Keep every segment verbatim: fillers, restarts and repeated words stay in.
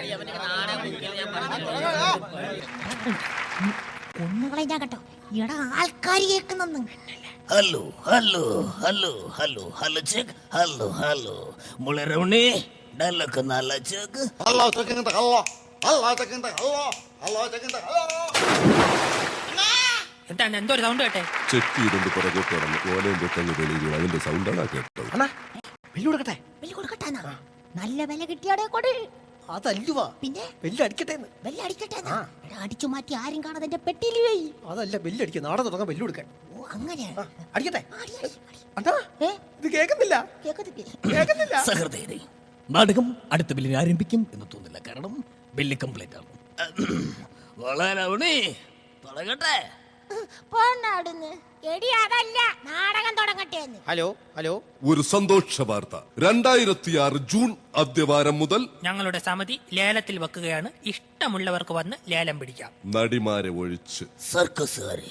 കൊന്നുകളെ ഞാൻ കേട്ടോ. എടാ ആൾക്കാര് കേൾക്കുന്നെന്ന്. Hello hello hello hello hello check hello hello മുളരവണി ഡല്ലൊക്കെ നല്ല ചെക്ക് ഹലോ ചെക്കിന്റെ ഹലോ ഹലോ ചെക്കിന്റെ ഹലോ ഹലോ ചെക്കിന്റെ ഹലോ. എന്താണ് എന്തോ ഒരു സൗണ്ട് കേട്ടെ? ചെക്ക് ചെയ്തുകൊണ്ട് പുറകോട്ട് കടന്നു ഓലയും പൊട്ടങ്ങ് തെളിയുക അതിന്റെ സൗണ്ടാണ് കേട്ടത്. വെല്ലു കൊടുക്കട്ടെ. വെല്ലു കൊടുക്കട്ടാ. നല്ല വില കിട്ടിയാടെ കൊടു. അതല്ലുവാ പിന്നെ ബെല്ലടിക്കട്ടെ. ബെല്ലടിക്കട്ടെ. അടിച്ചു മാറ്റി ആരും കാണാതെ എന്റെ പെട്ടിയിൽ പോയി. അതല്ല ബെല്ലടിക്കുക. നാളെ തുടങ്ങാൻ ബെല്ലു കൊടുക്കാൻ. ഓ അങ്ങനെ അടിക്കട്ടെ. ഇത് കേൾക്കുന്നില്ല കേൾക്കുന്നില്ല. സഹൃദയരെ, നാടകം അടുത്ത ബില്ലിന് ആരംഭിക്കും എന്ന് തോന്നില്ല. കാരണം ബില്ല് കംപ്ലീറ്റ് ആണ്. വളരവണി തുടങ്ങട്ടെ. ഹലോ ഹലോ ഒരു സന്തോഷ വാർത്ത. രണ്ടായിരത്തി ആറ് ജൂൺ ആദ്യവാരം മുതൽ ഞങ്ങളുടെ സമിതി ലേലത്തിൽ വെക്കുകയാണ്. ഇഷ്ടമുള്ളവർക്ക് വന്ന് ലേലം പിടിക്കാം. നടിമാരെ ഒഴിച്ച്. സർക്കസുകാരെ,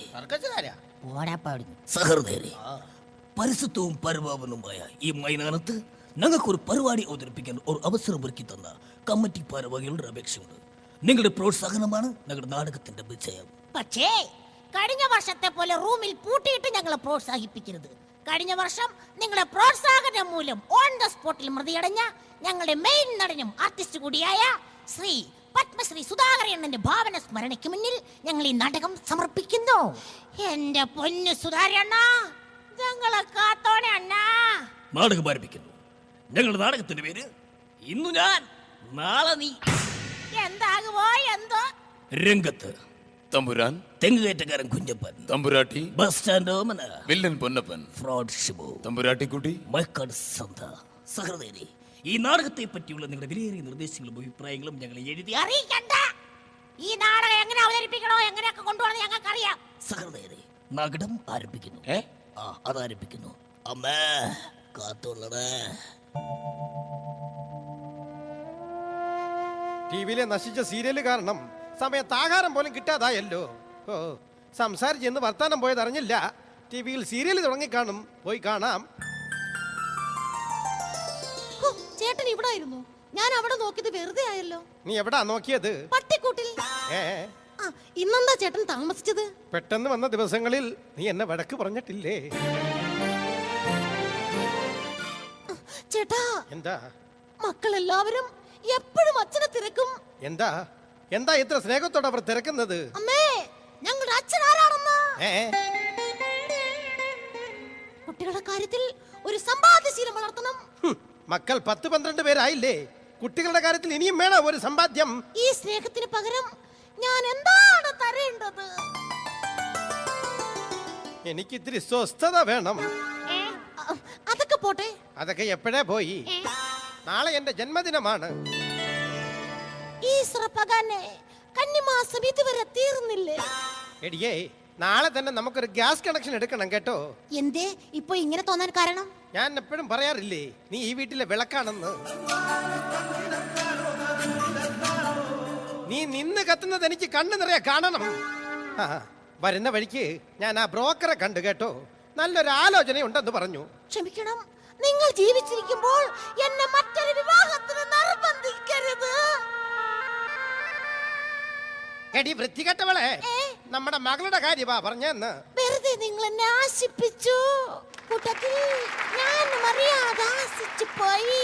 സഹൃദയരെ, പരിശുദ്ധവും പരിപാവനവുമായ ഈ മൈതാനത്ത് ഞങ്ങൾക്കൊരു പരിപാടി അവതരിപ്പിക്കാൻ ഒരു അവസരം ഒരുക്കി തന്ന കമ്മിറ്റി ഭാരവാഹികളുടെ അപേക്ഷയുണ്ട്. നിങ്ങളുടെ പ്രോത്സാഹനമാണ് ഞങ്ങളുടെ നാടകത്തിന്റെ വിജയം. പക്ഷേ കഴിഞ്ഞ വർഷത്തെ പോലെ റൂമിൽ പൂട്ടിയിട്ട് ഞങ്ങളെ പ്രോത്സാഹിപ്പിക്കരുത്. കഴിഞ്ഞ വർഷം നിങ്ങളുടെ പ്രോത്സാഹനം മൂലം ഓൺ ദ സ്പോട്ടിൽ മൃതിയടഞ്ഞ ഞങ്ങളുടെ മെയിൻ നടനും ആർട്ടിസ്റ്റ് കൂടിയായ ശ്രീ പത്മശ്രീ സുധാകരണ്ണന്റെ ഭാവന സ്മരണയ്ക്ക് മുന്നിൽ ഞങ്ങൾ ഈ നാടകം സമർപ്പിക്കുന്നു. എന്റെ പൊന്നു സുധാകരണ്ണ, ഞങ്ങളെ കാത്തോണെ അണ്ണാ. നാടകം ആരംഭിക്കുന്നു. ഞങ്ങളുടെ നാടകത്തിന്റെ പേര് ഇന്നു ഞാൻ നാളെ നീ. എന്താകുമോ എന്തോ. രംഗത്ത് തമ്പുരാൻ, തെങ്ങുകയറ്റക്കാരൻ കുഞ്ഞപ്പൻ, തമ്പുരാട്ടി bus stand Omana, villain Ponnappan, fraud Shibu, തമ്പുരാട്ടിക്കുട്ടി, മൈക്കാട് സന്ത. സഹൃദയരെ, ഈ നാടകത്തെ പറ്റിയുള്ള നിങ്ങളുടെ വിലയേറിയ നിർദ്ദേശങ്ങളും അഭിപ്രായങ്ങളും ഞങ്ങളെ എഴുതി അറിയിക്കണ്ട. ഈ നാടകം എങ്ങനെ അവതരിപ്പിക്കണോ എങ്ങനെയൊക്കെ കൊണ്ടുപോകണം ഞങ്ങൾക്കറിയാം. സഹൃദയരെ, നാടകം ആരംഭിക്കുന്നു. ഏ ആ അതാരംഭിക്കുന്നു. അമ്മേ കാത്തുള്ളടേ. ടിവിയിലെ നശിച്ച സീരിയല് കാരണം സമയത്ത് ആഹാരം പോലും കിട്ടാതായല്ലോ. ഓ, സംസാരിച്ചെന്ന് വർത്താനം പോയത് അറിഞ്ഞില്ല. ടിവിയിൽ സീരിയൽ തുടങ്ങിക്കാണും. പോയി കാണാം. ചേട്ടൻ ഇവിടെ ആയിരുന്നു. ഞാൻ അവിടെ നോക്കിയത് വെറുതെ ആയല്ലോ. നീ എവിടാ നോക്കിയത്? പട്ടിക്കൂട്ടിൽ. ഏ ഇന്നെന്താ ചേട്ടൻ താമസിച്ചത്? പെട്ടെന്ന് വന്ന ദിവസങ്ങളിൽ നീ എന്നെ വഴക്ക് പറഞ്ഞിട്ടില്ലേ? ചേട്ടാ, എന്താ മക്കളെല്ലാവരും എപ്പോഴും അച്ഛനെ തിരക്കും. എന്താ എന്താ ഇത്ര സ്നേഹത്തോടെ അവർ തിരക്കുന്നത്? അമ്മേ, ഞങ്ങളുടെ അച്ഛൻ ആരാണെന്ന്. കുട്ടികളുടെ കാര്യത്തിൽ ഒരു സമ്പാദ്യശീലം വളർത്തണം. മക്കൾ പത്ത് പന്ത്രണ്ട് പേരായില്ലേ? കുട്ടികളുടെ കാര്യത്തിൽ ഇനിയും വേണം ഒരു സമ്പാദ്യം. ഈ സ്നേഹത്തിന് പകരം ഞാൻ എന്താണ് തരേണ്ടത്? എനിക്ക് ഇത്തിരി സ്വസ്ഥത വേണം. അതൊക്കെ പോട്ടെ. അതൊക്കെ എപ്പോഴേ പോയി. നാളെ എന്റെ ജന്മദിനമാണ്. ഈ സ്രപ്പകാനെ കന്നിമാസം ഇതുവരെ തീർന്നില്ലേ? എടിയേ, നാളെ തന്നെ നമുക്കൊരു ഗ്യാസ് കണക്ഷൻ എടുക്കണം കേട്ടോ. എന്തേ ഇപ്പൊ ഇങ്ങനെ തോന്നാൻ കാരണം? ഞാൻ എപ്പോഴും പറയാറില്ലേ, നീ ഈ വീട്ടിലെ വിളക്കാണെന്ന്. നീ നിന്ന് കത്തുന്നത് എനിക്ക് കണ്ണു നിറയെ കാണണം. ആ, വരുന്ന വഴിക്ക് ഞാൻ ആ ബ്രോക്കറെ കണ്ടു കേട്ടോ. നല്ലൊരു ആലോചന ഉണ്ടെന്ന് പറഞ്ഞു. ക്ഷമിക്കണം, നിങ്ങൾ ജീവിച്ചിരിക്കുമ്പോൾ എന്നെ മറ്റൊരു വിവാഹത്തിന് നിർബന്ധിക്കരുത്. എടി വൃത്തികെട്ടവളെ, നമ്മുടെ മകളുടെ കാര്യമാ പറഞ്ഞെന്ന്. വെറുതെ നിങ്ങൾ എന്നെ ആശിപ്പിച്ചു. കൂട്ടത്തിൽ ഞാൻ അറിയാതെ ആശിച്ചു പോയി.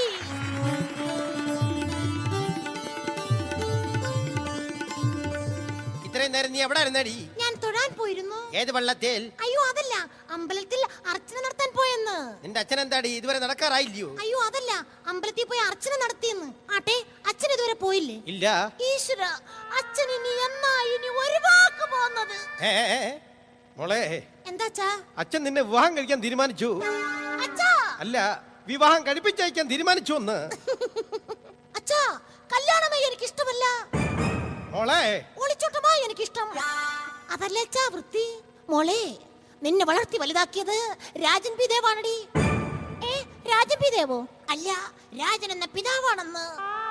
ഇത്രയും നേരം നീ എവിടെ ഇരുന്നടി? ഞാൻ തൊഴാൻ പോയിരുന്നു. ഏത് വെള്ളത്തിൽ? അയ്യോ അതല്ല, അമ്പലത്തിൽ അർച്ചന നടത്താൻ പോയെന്ന്. നിന്റെ അച്ഛൻ എന്താടി ഇതുവരെ നടക്കാറായില്ലയോ? അയ്യോ അതല്ല, അമ്പലത്തിൽ പോയി അർച്ചന നടത്തിയെന്ന്. ആട്ടെ, അച്ഛൻ ഇതുവരെ പോയില്ലേ? ഇല്ല. ഈശ്വര, അച്ഛൻ ഇനി എന്നാ ഇനി ഒരു വാക്ക് പോകുന്നത്? മോളെ, എന്താച്ചാ? അച്ഛൻ നിന്നെ വിവാഹം കഴിക്കാൻ തീരുമാനിച്ചു. അച്ഛാ, അല്ല, വിവാഹം കഴിപ്പിച്ചയക്കാൻ തീരുമാനിച്ചു എന്ന്. അച്ഛാ, കല്യാണമായി എനിക്ക് ഇഷ്ടമല്ല. മോളെ, ഒളിച്ചോട്ടമായി എനിക്ക് ഇഷ്ടം. അതല്ലേ അച്ഛാ വൃത്തി. മോളെ, നിന്നെ വളർത്തി വലുതാക്കിയത് രാജൻ പി ദേവാണടി. ഏ, രാജൻ പി ദേവോ? അല്ല, രാജൻ എന്ന പിതാവാണെന്ന്.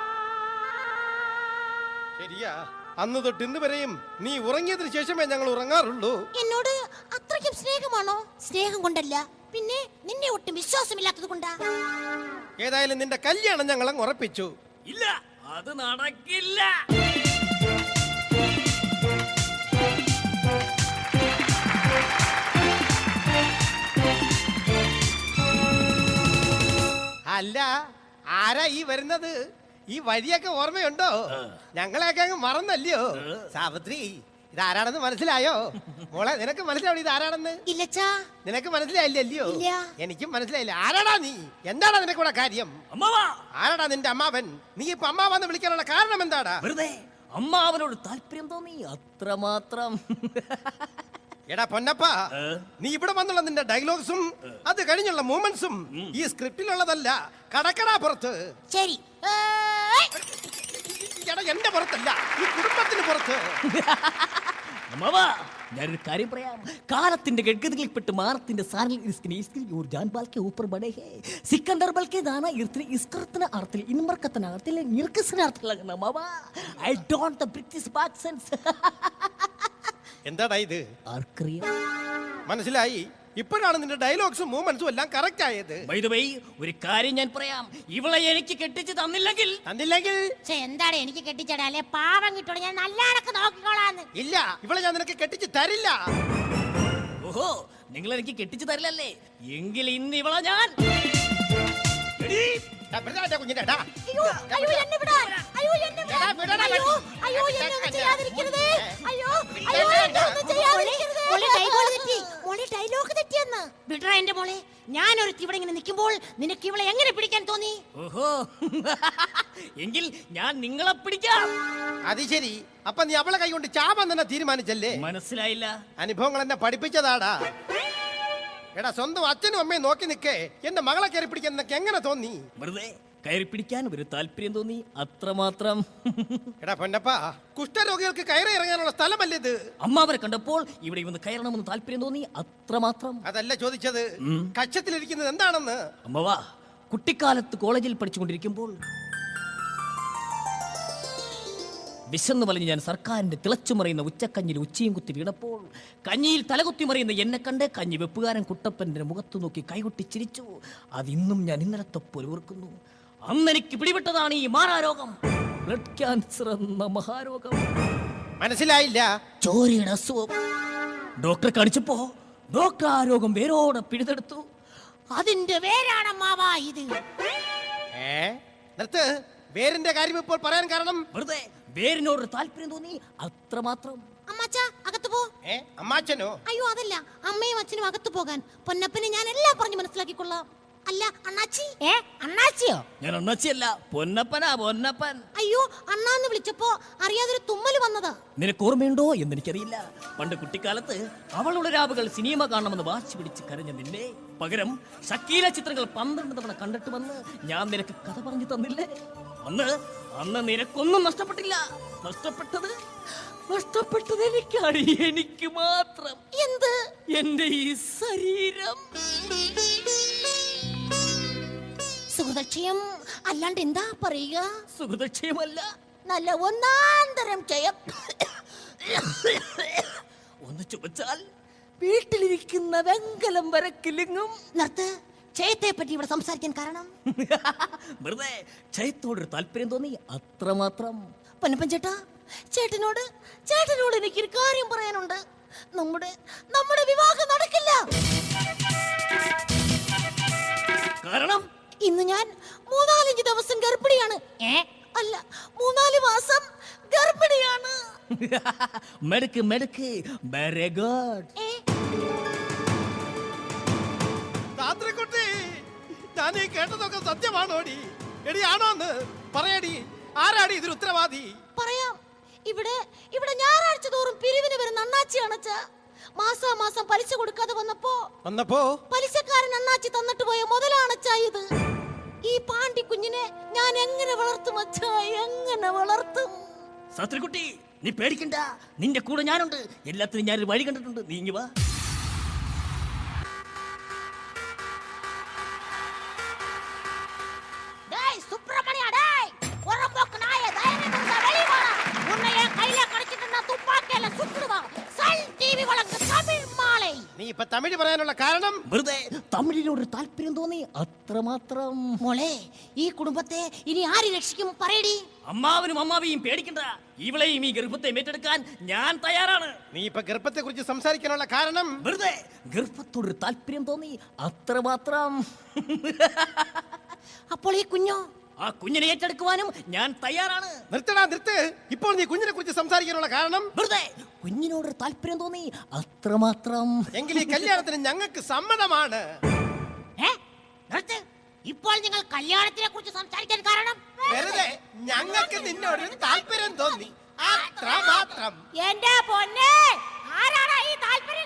ശരിയാ, അന്ന് തൊട്ട് ഇന്ന് വരെയും നീ ഉറങ്ങിയതിനു ശേഷമേ ഞങ്ങൾ ഉറങ്ങാറുള്ളൂ. എന്നോട് അത്രയ്ക്കും സ്നേഹമാണോ? സ്നേഹം കൊണ്ടല്ല, പിന്നെ നിന്നെ ഒട്ടും വിശ്വാസമില്ലാത്തത് കൊണ്ടാ. ഏതായാലും നിന്റെ കല്യാണം ഞങ്ങൾ അങ്ങ് ഉറപ്പിച്ചു. ഇല്ല, അത് നടക്കില്ല. അല്ല, ആരാ ഈ വരുന്നത്? ഈ വഴിയൊക്കെ ഓർമ്മയുണ്ടോ? ഞങ്ങളെയൊക്കെ അങ്ങ് മറന്നല്ലയോ? സാവിത്രി, ഇതാരാണെന്ന് മനസ്സിലായോ? മോളെ, നിനക്ക് മനസ്സിലാവും ഇതാരാണെന്ന്? ഇല്ലച്ചാ. നിനക്ക് മനസ്സിലായില്ലല്ലയോ? ഇല്ല. എനിക്കും മനസ്സിലായില്ല. ആരാടാ നീ? എന്താടാ നിനക്കൂടെ കാര്യം? അമ്മാവാ, ആരാടാ നിന്റെ അമ്മാവൻ? നീ ഇപ്പൊ അമ്മാവെന്ന് വിളിക്കാനുള്ള കാരണം എന്താടാ? വെറുതെ അമ്മാവനോട് താല്പര്യം തോന്നി, അത്രമാത്രം. എടാ പൊന്നപ്പ, നീ ഇവിടെ വന്നുള്ള നിന്റെ ഡയലോഗ്സും അത് കഴിഞ്ഞുള്ള മൂമെന്റ്സും ഈ സ്ക്രിപ്റ്റിലുള്ളതല്ല, കടക്കടാ പുറത്ത്. ശരി. ഏയ്! എടാ, എന്റെ പുറത്തല്ല, ഈ കുടുംബത്തിന് പുറത്ത്. അമ്മാവാ, ഞാനൊരു കാര്യം പറയാം. കാലത്തിന്റെ ഗഡ്ഗതികളിൽപ്പെട്ട് മാറത്തിന്റെ സാരൽ ഇസ്കിനെ ഇസ്കിൽ യോർ ജാൻബാൽ കെ ഊപ്പർ ബഡേ ഹേ സിക്കന്ദർ ബൽ കെ ദാന ഇർത്തിനെ ഇസ്കർത്തന അർത്ഥത്തിൽ ഇൻമർക്കത്തന അർത്ഥത്തിൽ നിർക്കസന അർത്ഥത്തിൽ അമ്മാവാ, I don't the British accents. എന്താടാ ഇത്? ആർക്കറിയാം? മനസ്സിലായി. ഇപ്പോഴാണ് നിന്റെ ഡയലോഗ്സും മൂവ്മെന്റ്സും എല്ലാം കറക്റ്റ് ആയത്. By the way, ഒരു കാര്യം ഞാൻ പറയാം. ഇവളെ എനിക്ക് കെട്ടിച്ച് തന്നില്ലെങ്കിൽ തന്നില്ലെങ്കിൽ ഛെ, എന്താണ് എനിക്ക് കെട്ടിച്ചടാ? അല്ലെ പാവം കിട്ടോളൂ, ഞാൻ നല്ല കണക്ക് നോക്കിക്കോളാന്ന്. ഇല്ല, ഇവളെ ഞാൻ നിനക്ക് കെട്ടിച്ച് തരില്ല. ഓഹോ, നിങ്ങൾ എനിക്ക് കെട്ടിച്ച് തരില്ലല്ലേ? എങ്കിൽ ഇന്ന് ഇവളെ ഞാൻ എടീ, എടാ, വിടടാ എന്റെ കുഞ്ഞിനെ, എടാ. അയ്യോ, അയ്യോ, എന്നെ വിടാൻ. അയ്യോ, എന്നെ വിടാൻ. എടാ, വിടടാ, അയ്യോ, വിട്. അയ്യോ, എന്നെ ഒന്നും ചെയ്യാതിരിക്കരുതേ. അയ്യോ, വിടടാ, അയ്യോ, എന്നെ ഒന്നും വിടടാ. ചെയ്യാതിരിക്കരുതേ. മോളെ ഡയലോഗ് തെറ്റി. മോളെ ഡയലോഗ് തെറ്റിയെന്ന്. വിടടാ എന്റെ മോളെ. ഞാനൊരു ഇവിടെ ഇങ്ങനെ നിൽക്കുമ്പോൾ നിനക്ക് ഇവളെ എങ്ങനെ പിടിക്കാൻ തോന്നി? ഓഹോ, എങ്കിൽ ഞാൻ നിങ്ങളെ പിടിക്കാം. അത് ശരി. അപ്പൊ നീ അവളെ കൈ കൊണ്ട് ചാവാൻ തന്നെ തീരുമാനിച്ചല്ലേ? മനസ്സിലായില്ല. അനുഭവങ്ങൾ എന്നെ പഠിപ്പിച്ചതാടാ. എടാ, സ്വന്തം അച്ഛനും അമ്മയും നോക്കി നിൽക്കേ എന്റെ മകളെ കയറി പിടിക്കാൻ നിനക്ക് എങ്ങനെ തോന്നി? വെറുതെ കയറി പിടിക്കാൻ ഒരു താല്പര്യം തോന്നി, അത്രമാത്രം. എടാ പൊന്നപ്പ, കുഷ്ഠരോഗികൾക്ക് കയറി ഇറങ്ങാനുള്ള സ്ഥലമല്ലേ ഇത്? അമ്മാവരെ കണ്ടപ്പോൾ ഇവിടെ വന്ന് കയറണമെന്ന് താല്പര്യം തോന്നി, അത്രമാത്രം. അതല്ല ചോദിച്ചത്, കക്ഷത്തിലിരിക്കുന്നത് എന്താണെന്ന്. അമ്മവാ, കുട്ടിക്കാലത്ത് കോളേജിൽ പഠിച്ചുകൊണ്ടിരിക്കുമ്പോൾ വിശന്നു വലിഞ്ഞ് ഞാൻ സർക്കാരിന്റെ തിളച്ചു മറിയുന്ന ഉച്ചക്കഞ്ഞിൽ ഉച്ചയും കുത്തി വീണപ്പോൾ കഞ്ഞിയിൽ തലകുത്തി മറിയുന്ന എന്നെ കണ്ട് കഞ്ഞി വെപ്പുകാരൻ കുട്ടപ്പന്റെ മുഖത്ത് നോക്കി കൈകൊട്ടി ചിരിച്ചു. അതിന്നും ഞാൻ ഇന്നലത്തെ പോലെ ഓർക്കുന്നു. അന്ന് എനിക്ക് പിടിപെട്ടതാണ് ഈ മാറാരോഗം, ബ്ലഡ് ക്യാൻസർ എന്ന മഹാരോഗം. മനസ്സിലായില്ല. ചോരയുടെ അസുഖം. ഡോക്ടറെ കാണിച്ചപ്പോ ഡോക്ടർ ആ രോഗം വേരോടെ പിടിതെടുത്തു. അതിന്റെ വേരാണ് മാവാ ഇത്. ഏ നിർത്ത്. വേരിന്റെ കാര്യം ഇപ്പോൾ പറയാൻ കാരണം വെറുതെ വേരിനോട് താല്പര്യം തോന്നി, അത്രമാത്രം. അമ്മാച്ചാ, അകത്ത് പോ. ഏ അമ്മാച്ചനോ? അയ്യോ, അതല്ല, അമ്മയും അച്ഛനും അകത്ത് പോകാൻ. പൊന്നപ്പനെ ഞാൻ എല്ലാം പറഞ്ഞു മനസ്സിലാക്കിക്കൊള്ളാം. അല്ല അണ്ണാച്ചി. ഏ അണ്ണാച്ചിയോ? ഞാൻ അണ്ണാച്ചിയല്ല, പൊന്നപ്പനാ, പൊന്നപ്പൻ. അയ്യോ, അണ്ണാന്ന് വിളിച്ചപ്പോ അറിയാതൊരു തുമ്മല് വന്നതാ. നിനക്ക് ഓർമ്മയുണ്ടോ എന്ന് എനിക്കറിയില്ല. പണ്ട് കുട്ടിക്കാലത്ത് അവളുടെ രാവുകൾ സിനിമ കാണണമെന്ന് വാശി പിടിച്ച് കരഞ്ഞ നിന്നെ പകരം ഷക്കീല ചിത്രങ്ങൾ പന്ത്രണ്ട് തവണ കണ്ടിട്ട് വന്ന് ഞാൻ നിനക്ക് കഥ പറഞ്ഞു തന്നില്ലേ? അന്ന് അന്ന് നിനക്കൊന്നും നഷ്ടപ്പെട്ടില്ല. നഷ്ടപ്പെട്ടത് നഷ്ടപ്പെട്ടത് എനിക്കാണ്, എനിക്ക് മാത്രം. എന്ത്? എന്റെ ഈ ശരീരം. സുഹൃദക്ഷയം അല്ലാണ്ട് എന്താ പറയുക? സുഹൃതക്ഷയമല്ല, നല്ല ഒന്നാന്തരം ജയം. ഒന്ന് ചുമച്ചാൽ വീട്ടിലിരിക്കുന്ന വെങ്കലം വരെ കിലുങ്ങും. നിർത്ത്. ക്ഷയത്തെ പറ്റി ഇവിടെ സംസാരിക്കാൻ കാരണം വെറുതെ ക്ഷയത്തോടൊരു താല്പര്യം തോന്നി, അത്രമാത്രം. പൊന്നപ്പൻ ചേട്ടാ, ചേട്ടനോട് ചേട്ടനോട് എനിക്കൊരു കാര്യം പറയാനുണ്ട്. നമ്മുടെ നമ്മുടെ വിവാഹം നടക്കില്ല. കാരണം ഇന്ന് ഞാൻ മൂന്നാലഞ്ച് ദിവസം ഗർഭിണിയാണ്. ഏ അല്ല, മൂന്നാല് മാസം ഗർഭിണിയാണ്. മെടുക്ക് മെടുക്ക്, വെരി ഗുഡ്. ഏ, താന്ത്രിക്കുട്ടി, ഞാൻ ഈ കേട്ടതൊക്കെ സത്യമാണോടി? എടി, ആണോന്ന് പറയടി. ആരാടി ഇതിന് ഉത്തരവാദി? പറയാം. ഇവിടെ ഇവിടെ ഞായറാഴ്ച തോറും പിരിവിന് വരുന്ന അണ്ണാച്ചിയാണ് അച്ഛാ. മാസാ മാസം പലിശ കൊടുക്കാതെ വന്നപ്പോ വന്നപ്പോ പലിശക്കാരൻ അണ്ണാച്ചി തന്നിട്ട് പോയ മുതലാണ് അച്ഛാ ഇത്. ഈ പാണ്ടി കുഞ്ഞിനെ ഞാൻ എങ്ങനെ വളർത്തും അച്ഛാ, എങ്ങനെ വളർത്തും? ശാസ്ത്രിക്കുട്ടി, നീ പേടിക്കണ്ട, നിന്റെ കൂടെ ഞാനുണ്ട്. എല്ലാത്തിനും ഞാനൊരു വഴി കണ്ടിട്ടുണ്ട്. നീ ഇങ്ങ് വാ. டேய் சுப்பிரமணியா, டேய் புறம்போக்கு நாயே, தைரியம் இருந்தா வெளிய வாடா. உன்னை என் கையில கிடைச்சிட்டு நான் துப்பாக்கியால சுட்டுடுவேன். சல் டிவி வழங்கு தமிழ் மாலை. നീ ഇപ്പൊ തമിഴ് പറയാനുള്ള കാരണം വെറുതെ തമിഴിനോട് താല്പര്യം തോന്നി അത്രമാത്രം. മോളെ ഈ കുടുംബത്തെ ഇനി ആര് രക്ഷിക്കും പറയടി. അമ്മാവനും അമ്മാവിയും പേടിക്കണ്ട, ഇവളെയും ഈ ഗർഭത്തെ ഏറ്റെടുക്കാൻ ഞാൻ തയ്യാറാണ്. നീ ഇപ്പൊ ഗർഭത്തെ കുറിച്ച് സംസാരിക്കാനുള്ള കാരണം വെറുതെ ഗർഭത്തോട് താല്പര്യം തോന്നി അത്രമാത്രം. അപ്പോൾ ഈ കുഞ്ഞോ? ആ കുഞ്ഞിനെ ഏറ്റെടുക്കുവാനും ഞാൻ തയ്യാറാണ്. നിർത്തടാ നിർത്ത്. ഇപ്പോൾ നീ കുഞ്ഞിനെ കുറിച്ച് സംസാരിക്കാനുള്ള കാരണം വെറുതെ കുഞ്ഞിനോട് താല്പര്യം തോന്നി അത്രമാത്രം. എങ്കിൽ ഈ കല്യാണത്തിന് ഞങ്ങൾക്ക് സമ്മതമാണ്. ഏ? നിർത്ത്. ഇപ്പോൾ നിങ്ങൾ കല്യാണത്തിനെ കുറിച്ച് സംസാരിക്കാൻ കാരണം വെറുതെ ഞങ്ങൾക്ക് നിന്നോട് താല്പര്യം തോന്നി അത്ര മാത്രം. എന്റെ പൊന്നെ, ആരാണ് ഈ താല്പര്യം